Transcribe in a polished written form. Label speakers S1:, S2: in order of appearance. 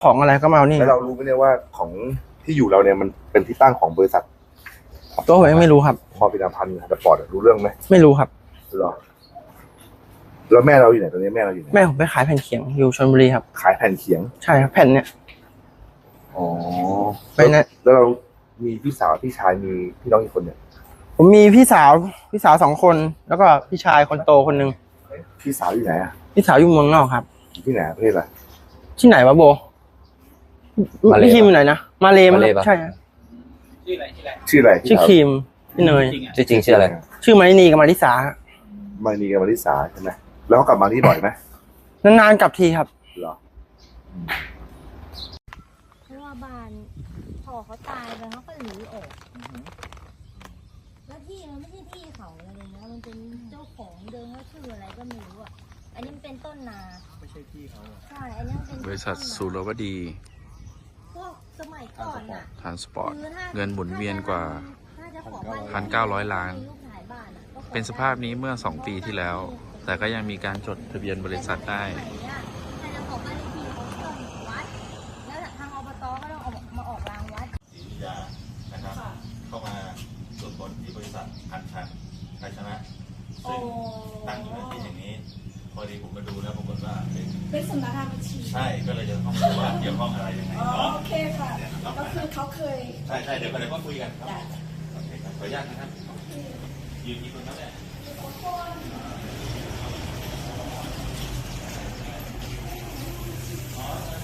S1: ของอะไรก็มาเอานี่
S2: แล้วเรารู้ไหมเนี่ยว่าของที่อยู่เราเนี่ยมันเป็นที่ตั้งของบริษัท
S1: ตัวผมยังไม่รู้ครับ
S2: พอพินาพันธ์สปอร์ตรู้เรื่องไหม
S1: ไม่รู้ครับ
S2: หรอแล้วแม่เราอยู่ไหนตอนนี้แม่เราอยู่ไหน
S1: แม่ผมไปขายแผ่นเขียงอยู่ชลบุรีครับ
S2: ขายแผ่นเขียง
S1: ใช่ครับแผ่นเนี่ย
S2: อ๋อ
S1: ไปนะ
S2: แล้วเรามีพี่สาวพี่ชายมีพี่น้องอีกคนเนี่ย
S1: ผมมีพี่สาว2 คนแล้วก็พี่ชายคนโตคนนึง
S2: พี่สาวอยู่ไหนอ่ะ
S1: พี่สาวอยู่เมืองนอกครับ
S2: อยู่ที่ไหนประเทศอะไร
S1: ที่ไหนวะโบพี่คิมอยู่ไหนนะมาเลมั้งใช่
S2: ชื่ออะไร
S1: ชื่อคิมพี่เนย
S3: จริงชื่ออะไร
S1: ชื่อมารินีกับมาริสา
S2: มานีกับมาริสาใช่ไหมแล้วเขากลับมาที่บ่อยไหม
S1: นานๆกลับทีครับ
S2: เหรอ
S4: เพราะว่าบ้านพอเขาตายไปเขาก็หนีออกแล้วที่มันไม่ใช่ที่เขาอะไรเลยนะมันเป็นเจ้าของเดิมว่าชื่ออะไรก็ไม่รู้อ่ะอันนี้มันเป็นต้นนาไม่ใช่ที่เขาใช่อันนี้เป็น
S5: บริษัทสุรวดี
S4: พวกสมัยก่อนอ่ะ
S5: ทรานสปอร์ตเงินหมุนเวียนกว่า 1,900 ล้านเป็นสภาพนี้เมื่อ2 ปีที่แล้วแต่ก็ยังมีการจดทะเบียนบริษัทได้
S6: เข้ามาตรวจค้นที่บริษัทพันชันไทยชนะซึ่งตั้งอยู่ในที่แห่งนี้พอดีผมมาดูแล้วปรากฏว่า
S7: เป็นสำนักงานบัญชี
S6: ใช่ก็เลยจะต้องดูว่าเกี่ยวข้องอะไรยังไง
S7: โอเคค่ะก็คือเขาเคย
S6: ใช่เดี๋ยวก็คุยกันครับโอเคครับขออนุญาตนะครับยืนที่คนนั้นแหละอ๋อ